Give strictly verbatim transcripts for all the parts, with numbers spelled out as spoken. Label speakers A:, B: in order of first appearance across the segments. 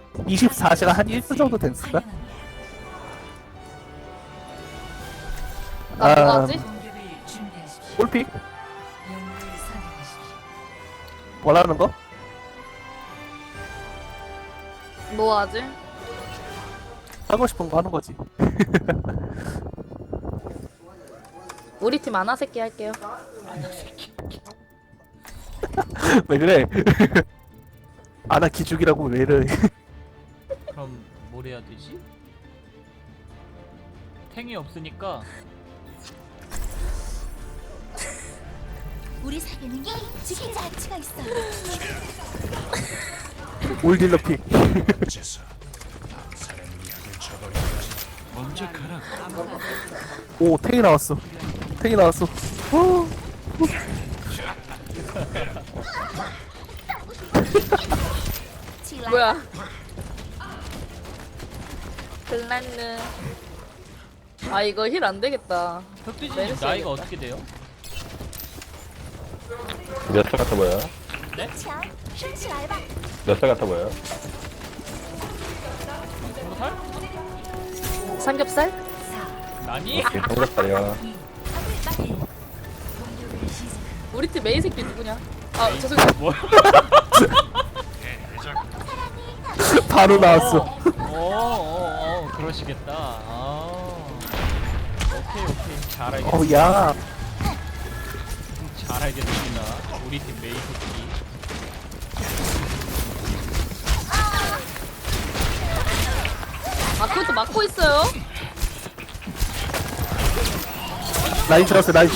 A: 이십사 시간 한 일 분 정도 됐을까?
B: 나 뭐
A: 아,
B: 하지?
A: 골픽? 원하는 거?
B: 뭐 하지?
A: 하고 싶은 거 하는 거지.
B: 우리 팀 아나 새끼 할게요.
A: 왜 그래? 아나 기죽이라고 왜 이래?
C: 그럼 뭘 해야 되지? 탱이 없으니까
D: 우리 사귀는 게 지킬 가치가 있어.
A: 올딜러 픽.
C: 먼저 가라.
A: 오, 탱이 나왔어. 탱이 나왔어. 오,
B: 뭐야? 글란느. 아 이거 힐 안 되겠다.
C: 흑돼지님
B: 메르시
C: 나이가
B: 해야겠다.
C: 어떻게 돼요?
E: 몇 살 같아 보여요?
D: 참, 춘치 알바.
E: 몇 살 같아 보여요?
C: 스무 살?
B: 삼겹살?
C: 아니?
E: 삼겹살이요.
B: 우리 팀 메인 새끼 누구냐? 아 죄송해요.
C: 뭐?
A: 바로 나왔어.
C: 어어어 그러시겠다. 아 오케이 오케이 잘 알겠습니다.
A: 어, 야.
C: 잘 알겠습니다. 우리 팀 메이 새끼.
B: 아 그것도 막고 있어요?
A: 라인 들었어, 라인.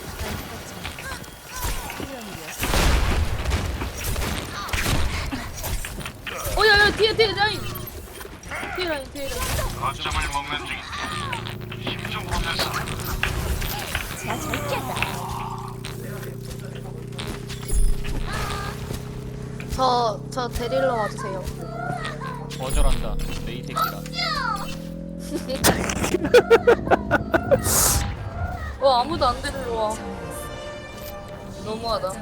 B: 어야야 뒤에 뒤에 라인. 뒤에 라인 뒤에 라인.
D: 나 절제다.
B: 저저 데릴러 와주세요.
C: 거절한다. 메이 새끼라.
B: 어 아무도 안 데리러 와. 너무하다.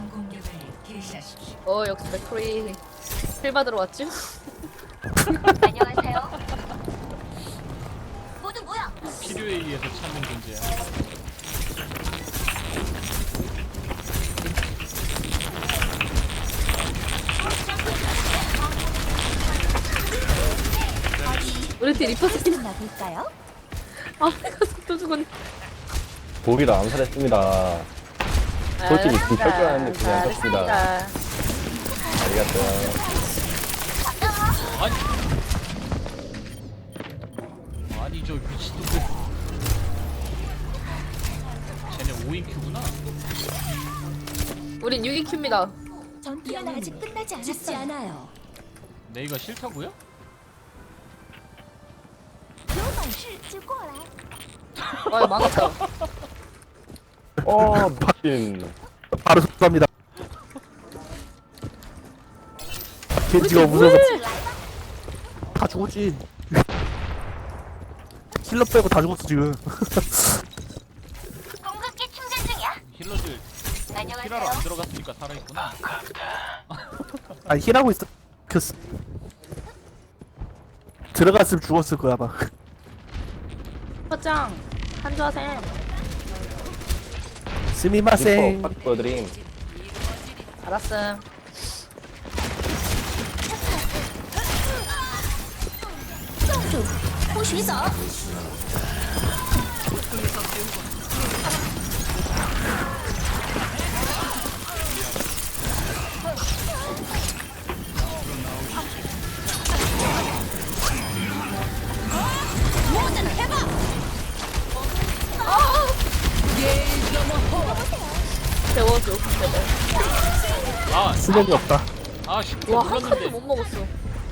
B: 어 역시 맥크리 힐 받으러 왔죠?
D: 안녕하세요. 모두 모여.
C: 필요에 의해서 찾는 존재야.
B: 우리 팀 리퍼 새끼.
D: 나 볼까요?
B: 아 내가 또 죽었네.
E: 보기로 암살했습니다. 솔직히 좀 철저했는데 그냥 했습니다.
B: 잘했습니다.
E: 알겠어요.
C: 아니 아니 저 미친놈들. 쟤네 오 인 큐구나.
B: 우린 육 인 큐입니다.
D: 전투는 아직 끝나지 않았어. 죽지 않아요.
C: 메이가 싫다고요?
D: 有本事就过来。
B: 와 망했다.
E: 어, 미친.
A: 바로 속갑니다. 겐지가 무서워서 다 죽었지. 힐러 빼고 다 죽었어, 지금.
D: 공급기 충전 중이야.
C: 힐러들 힐하러 안 들어갔으니까 살아있구나.
A: 아니, 힐하고 있어. 그, 들어갔으면 죽었을 거야, 아마.
B: 허짱 한조하셈.
A: 스미마생.
E: 슈퍼 드림.
B: 알았음.
D: 주不许走。
B: 재워줘. 제발.
C: 아,
A: 수력이 없다.
C: 아 슈퍼
B: 와 한 칸도
C: 눌렀는데.
B: 못 먹었어.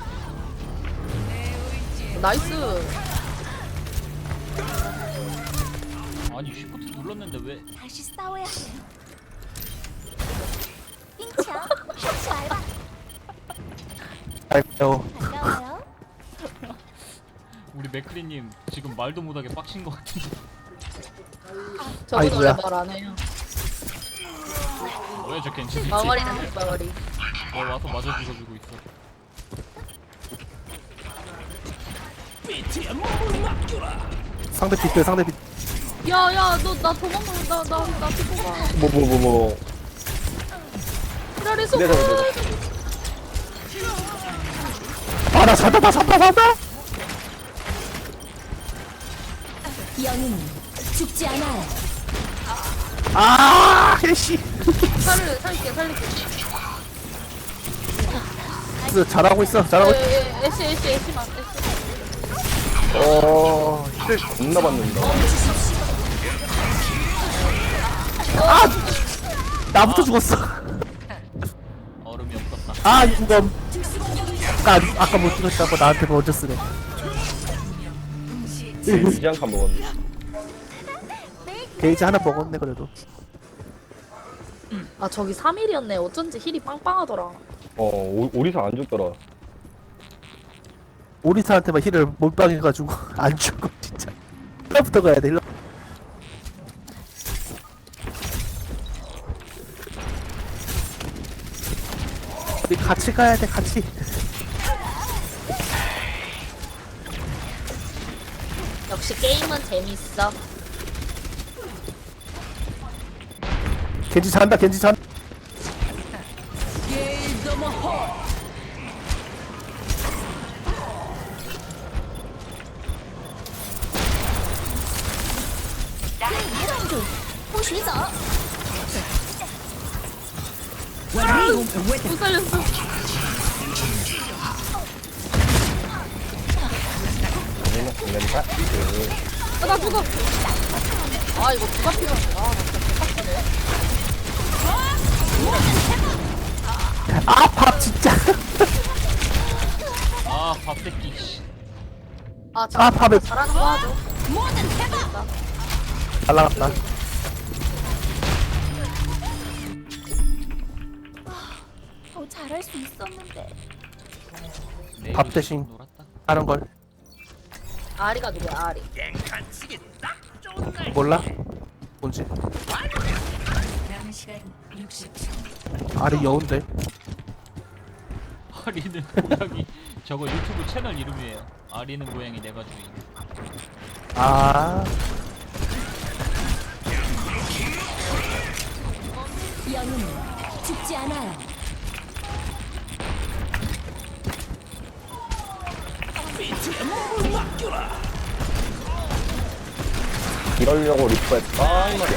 B: 나이스.
C: 아니 슈퍼트 눌렀는데 왜?
D: 다시 싸워야 해. 빙창 셔츠 알바.
A: 아이고.
D: 반가워요.
C: 우리 맥크리님 지금 말도 못하게 빡친 것 같은데.
B: 저분 원래
A: 아이고야.
B: 말 안 해요.
C: 뭐야 저 괜찮지?
B: 마거리는 뒷마거리.
C: 어 와서 맞아 죽어주고 있어.
A: 상대 빗대 상대 빗.
B: 야야 너 나 도망가 나나나 피고가
E: 뭐 뭐 뭐 뭐.
B: 기다리 소금
E: 네, 네, 네,
A: 아나 산다 나 산다 산다.
D: 영웅 죽지 않아요.
A: 아 해시.
B: 살을 살릴게 살릴게
A: 그래서 잘하고 있어 잘하고 있어.
B: 에에 애쉬 애쉬 애쉬만 애쉬
E: 어, 힐 겁나 받는다.
A: 나부터 죽었어.
C: 얼음이 없었다.
A: 아 이건 아까 아까 못 죽었다고 나한테 먼저 쓰네.
E: 이지 한칸 먹었네.
A: 게이지 하나 먹었네 그래도.
B: 아 저기 삼 일이었네 어쩐지 힐이 빵빵하더라
E: 어, 오, 오리사 안 죽더라.
A: 오리사한테만 힐을 몰빵해가지고 안 죽어 진짜. 일부터 가야 돼 일로. 우리 같이 가야 돼 같이.
B: 역시 게임은 재밌어
A: 겐지 잔다 겐지 잔.
D: 보시죠.
B: 못 살렸어
E: 얘는 공간이다. 그,
B: 아, 나 죽어 아 이거 누가 필요한데 아나 진짜 개빡치네
A: 아밥 진짜.
C: 아, 밥새끼. 씨.
B: 아
A: 아,
B: 자,
A: 밥에
B: 잘하는 거 하죠
A: 날라갔다.
D: 더 잘할 수 있었는데.
C: 내일
A: 밥 대신.
C: 놀았다.
A: 다른 걸
B: 아리가 누구야 아리
A: 몰라? 뭔지. 아리 여운데.
C: 아리는 고양이. 저거 유튜브 채널 이름이에요. 아리는 고양이 내가 주인.
A: 아
D: 영웅 죽지 않아요.
E: 이러려고 리프했다 말이야.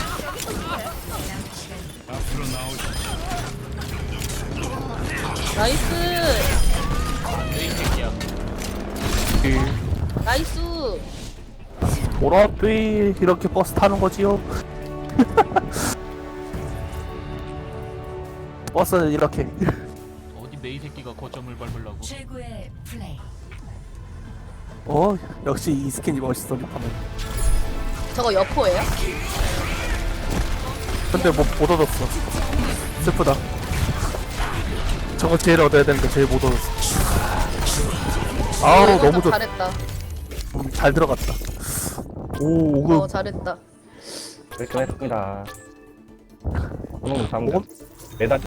B: 나이스
C: 이 새끼야.
B: 나이스
A: 보라비 이렇게 버스 타는 거지요. 버스는 이렇게.
C: 어디 메이 새끼가 거점을 밟으려고.
F: 최고의 플레이.
A: 어 역시 이 스킨이 멋있어 리파는.
B: 저거 여포예요?
A: 근데 뭐 못 얻었어. 슬프다. 저거 제일 얻어야 되는데 제일 못 얻었어. 아우
B: 이거
A: 너무
B: 좀
A: 좋.
B: 잘했다
A: 음, 잘 들어갔다. 오 오그
B: 어 잘했다
E: 깔끔했습니다. 오늘 잠깐
A: 뭐?
E: 매달